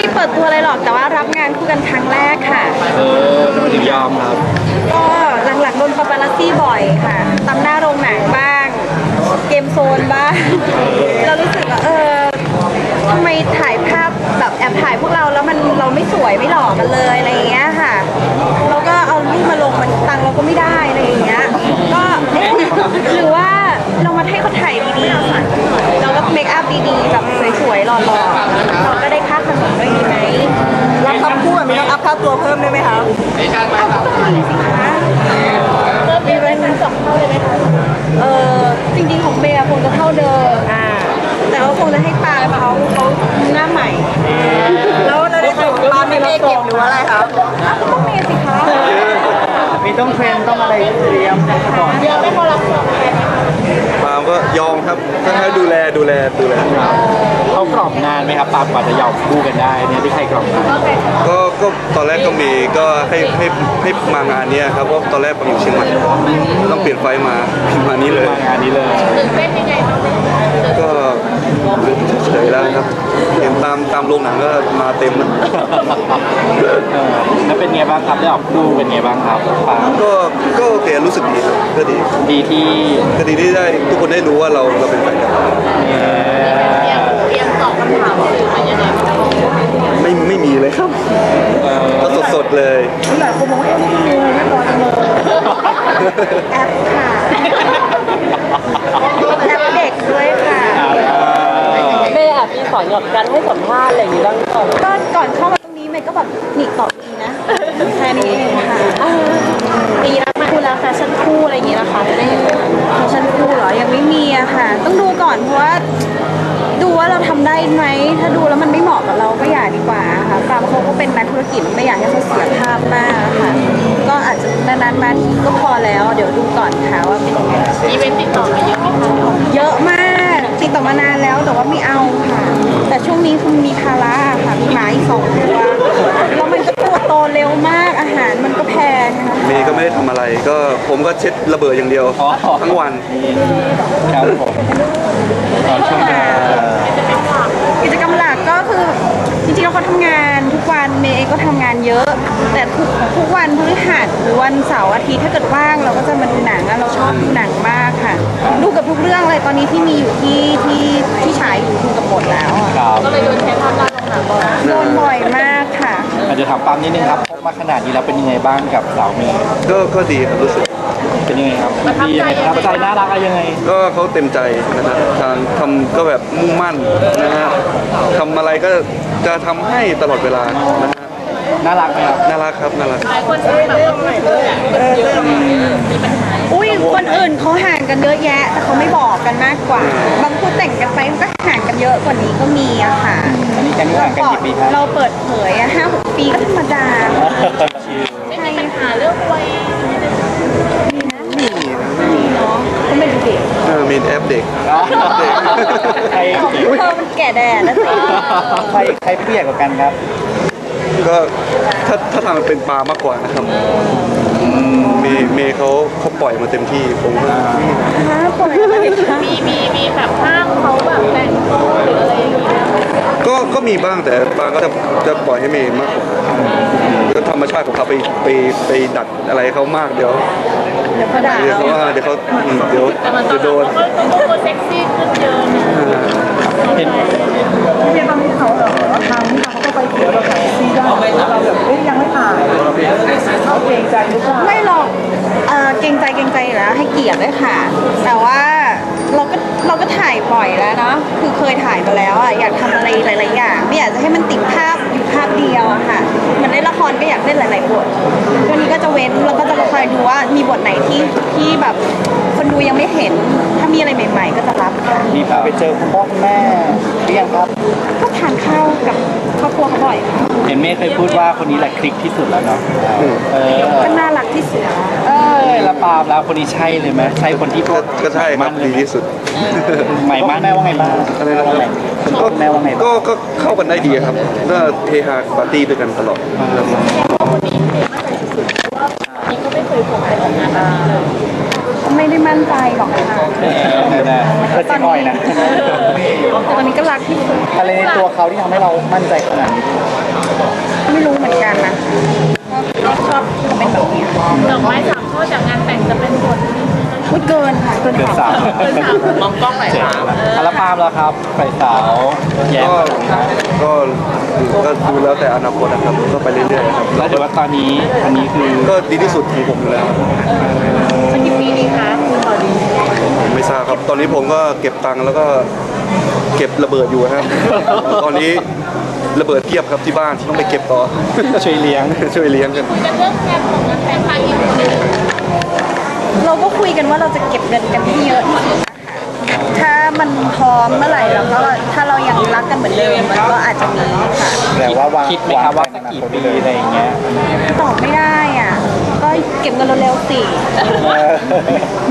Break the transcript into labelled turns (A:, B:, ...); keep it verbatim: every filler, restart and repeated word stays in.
A: ได้เปิดตัวอะไรหรอกแต่ว่ารับงานคู่กันครั้งแรกค่ะ
B: เออทำไมถึงยอมครับ
A: ก็หลังๆโดนปาปารัสซี่บ่อยค่ะตามหน้าโรงหนังบ้างเกมโซนบ้างเรารู้สึกว่าเออทำไมถ่ายภาพแบบแอบถ่ายพวกเราแล้วมันเราไม่สวยไม่หล่อกันเลยอะไรอย่างเงี้ยค่ะเราก็เอารูปมาลงมันตังเราก็ไม่ได้อะไรอย่างเงี้ยก็หรือว่าเรามาให้เขาถ่ายดีๆเราก็เมคอัพดีๆแบบสวยๆหล่อๆเราก็ได้ค่าขนมด้วยดีไหม
C: รับทำคู่แบบนี้ต้องอัพค่าตัวเพิ่มได้ไหมครับ
A: มีเป็นสองเท่าเลยไหมคะเออจริงๆของเบย์คงจะเท่าเดิมอ่าแต่ว่าคงจะให้ปลาเขาเขาหน้าใหม่
C: แล้วเราได้ส่งปลาไม่ได้เก็บหรือว่าอะไรครับ
A: ก็ต้องเมย์สิคะ
C: มีต้องเทรนต้องอะไรเตรียมก่อน
A: เดี๋ยวไม่พอรับส่งเลยนะคะ
D: ปาล์มก็ยอมครับถ้าให้ดูแลดูแลดูแล
B: เขากรอบงานไหมครับปาล์มกว่าจะยอมคู่กันได้เนี่ยที่ใครกรอบงาน
D: ก็ก็ตอนแรกก็มีก็ให้ให้ให้มางานนี้ครับเพราะตอนแรกปาล์มอยู่เชียงใหม่ต้องเปลี่ยนไฟมามานี้เลย
B: มางานนี้เลย
A: ตื่นเต้นยังไงบ้าง
D: ก็เฉยๆแล้วครับเห็นตามตามโรงหนังก็มาเต็มนะ
B: แล้วเป็นไงบ้างครับได้ออกคู่เป็นไงบ้างครับปาล์ม
D: ก็ก็โอเครู้สึกดีครับก็ดี
B: ดีที่
D: ก็ดีที่ได้ทุกคนได้รู้ว่าเราเราเป็นแฟนกัน
A: เตรียมตอบคำถามสื่อมายังไง
D: ไม่ไม่มีเลยครับก็สดๆเลย
C: หลายคนบอกว่าเอ๊ะนี่มีอะไรไม่พอจังเลย
A: แอปค่ะแอปเด็กด้วยค่ะ
C: เมย์แอบมีสอนหยอดกันให้สัมภาษณ์อะไรอย่างนี้บ้างก่อน
A: ก็ก่อนเข้ามาตรงนี้เมย์ก็แบบหนีตอบดีนะแค่นี้เองค่ะปีแล้วมาคู่แล้วแฟชั่นคู่อะไรอย่างนี้นะคะจะได้เห็นแฟชั่นคู่เหรอยังไม่มีอะค่ะต้องดูก่อนเพราะว่าดูว่าเราทำได้ไหมถ้าดูแล้วมันไม่เหมาะกับเราก็อย่าดีกว่าค่ะปาล์มเขาก็เป็นนักธุรกิจไม่อยากให้เขาเสียภาพมากค่ะก็อาจจะนานๆมาทีก็พอแล้วเดี๋ยวดูก่อนค่ะว่าเป็นยังไงอีเวนต์ติดต่อมาเยอะไหมคะเยอะมากติดต่อมานานแล้วแต่ว่าไม่เอาค่ะแต่ช่วงนี้คือมีภาระค่ะมีหมาอีกสองตัวแล้วมันก็ตัวโตเร็วมากอาหารมันก็แพงนะคะ
D: เมย์ก็ไม่ได้ทำอะไรก็ผมก็เช็ดระเบิดอย่างเดียวทั้งวัน
B: ครับผมตอนช่วงนี้
A: กิจกรรมหลักก็คือจริงๆเราเขาทำงานทุกวันเมย์ก็ทำงานเยอะแต่ทุกทุกวันพฤหัสหรือวันเสาร์อาทิตย์ถ้าเกิดว่างเราก็จะมาดูหนังเราชอบดูหนังมากค่ะดูกับทุกเรื่องเลยตอนนี้ที่มีอยู่ที่ที่ที่ฉายอยู่ดูกับหมดแล้วก็เลยโดนใช้ภาพลักษณ์ลงหนังบ่อยโดนบ่อยมากค่ะ
B: อาจจะถามปั๊มนิดนึงครับพบมาขนาดนี้แล้วเป็นยังไงบ้างกับสาวเมย์
D: ก็ก็ดีครับรู้สึก
B: เป็นยังไงครับดียังไงประทับใจน่ารักอะไรยังไง
D: ก็เขาเต็มใจนะครับทางทำก็แบบมุ่งมั่นนะฮะทำอะไรก็จะทำให้ตลอดเวลานะฮะ
B: น่ารักไหมครับ
D: น่ารักครับน่ารัก
A: หลายคนแบบว่าใหม่เลยอุ้ยคนอื่นเขาห่างกันเยอะแยะแต่เขาไม่บอกกันมากกว่าบางคู่แต่งกันไปมันก็ห่างกันเยอะกว่านี้ก็มีอะค่ะ
B: อันนี้กันห่างกันกี่ปีครับ
A: เราเปิดเผยอะห้าหกปีก็ธรรมดาไม่มีปัญหาเรื่องวัยมีนะ
D: มี
A: ไม่มีเนาะก็ไม่ดูเด็ก
D: เออมีแอปเด็ก
B: ใคร
A: เธอมันแก่แดดนะสิ
B: ใครใครเปรี้ยกว่ากันครับ
D: ก็ถ้าถ้าทางมันเป็นปลามากกว่านะครับเมย์เมย์เขาเขาปล่อยมาเต็มที่ผมว่า
A: ปล่อยมีมีมีแบบห้ามเขาแบบแต่งตัวหรืออะไรอย่างเงี้ย
D: ก็ก็มีบ้างแต่ปลาก็จะจะปล่อยให้เมย์มากกว่าก็ธรรมชาติของเขาไปไปไปดัดอะไรเขามากเดี๋ยว
A: เดี๋ยวเขาด่า
D: เดี๋ยวเขาเดี๋ยวเขาเดี๋ยวเดี๋ยวโดน
A: เขาเซ็กซี่ขึ้นเยอะ
B: เห็น
C: พี่เมย์ตอนนี้เขาเหรอทางที่เขาก็ไปเที่ยวเราถ่ายซีได้เราแบบเอ้ยยังไม่ถ่ายเขาเกรงใจหรือเปล่า
A: ไม่หรอกเอ่อเกรงใจเกรงใจอยู่แล้วให้เกียรติด้วยค่ะแต่ว่าเราก็เราก็ถ่ายบ่อยแล้วเนาะคือเคยถ่ายมาแล้วอ่ะอยากทำอะไรหลายๆอย่างไม่อยากจะให้มันติดภาพอยู่ภาพเดียวอะค่ะมันเล่นละครก็อยากเล่นหลายๆบทวันนี้ก็จะเว้นแล้วก็จะคอยดูว่ามีบทไหนที่ที่แบบคนดูยังไม่เห็นถ้ามีอะไรใหม่ๆก็จะรับค่ะ
B: มีพาไปเจอคุณพ่อคุณแม่หรือยังครับ
A: ก็ทานข้าวกับครอบครัวเขาบ่อยค่ะ
B: เห็นเมย์เคยพูดว่าคนนี้แหละคลิกที่สุดแล้วเนาะเออ
A: ก็น่ารักที่สุด
B: เออแล้วปาล์มแล้วคนนี้ใช่เลยไหมใช่คนที่
D: ก็ก็ใช่ครับดีที่สุด
B: ใหม่มากแม่ว่าไงบ้าง
D: อะไรนะครับ
B: ก็แม่ว่าไง
D: ก็ก็เข้ากันได้ดีครับก็เฮฮาปาร์ตี้ด้วยกันตลอด
A: คนนี้เท่มากเลยสุดๆว่านี่ก็ไม่เคยผมไปออกงานแบบนี้เลยไม่ได้ได้มั่นใจหรอกค่ะ
B: นะก็จะน้อยนะ
A: แต่ตอนนี้ก็รักที่สุด
B: อะไรในตัวเขาที่ทำให้เรามั่นใจขนาดนี้
A: ไม่รู้เหมือนกันนะก็ชอบเขาเป็นแบบนี้
E: ดอกไม้สามช่อจากงานแต่งจะเป็นบท
A: พูดเกินค่ะเกิน
B: เดือน
A: สา
B: สาม ม
E: เป็นสามมองกล้องหน่อยครับ
B: อัลปามแล้วครับไฟสาวแย้ม
D: ก็ก็ก็ดูแล้วแต่อนาคตนะครับก็ไปเรื่อยๆครับ
B: แล้วเดี๋ยวว่าตอนนี้อันนี้คือ
D: ก็ดีที่สุดของผมอยู่แล้ว
E: สักกี่ปีดีคะคุณบอดี
D: ผมไม่ทราบครับ ตอนนี้ผมก็เก็บตังค์แล้วก็เก็บระเบิดอยู่ครับ ตอนนี้ระเบิดเทียบครับที่บ้านต้องไปเก็บต่อ
B: ช่วยเลี้ยง
D: ช่วยเลี้ยงกัน
E: จะเลือกงานของงานแต่งครั้งนี้
A: เราก็คุยกันว่าเราจะเก็บเงินกันให้เยอะที่สุดถ้ามันพร้อมเมื่อไหร่แล้วก็ถ้าเรายังรักกันเหมือนเดิมมันก็อาจจะมีค่ะ
B: แต่ว่าวางคิดไหมครับว่าสักกี่ปีอะไรอย่างเงี้ย
A: ตอบไม่ได้อ่ะ ก็เก็บเงินเร็วๆสิ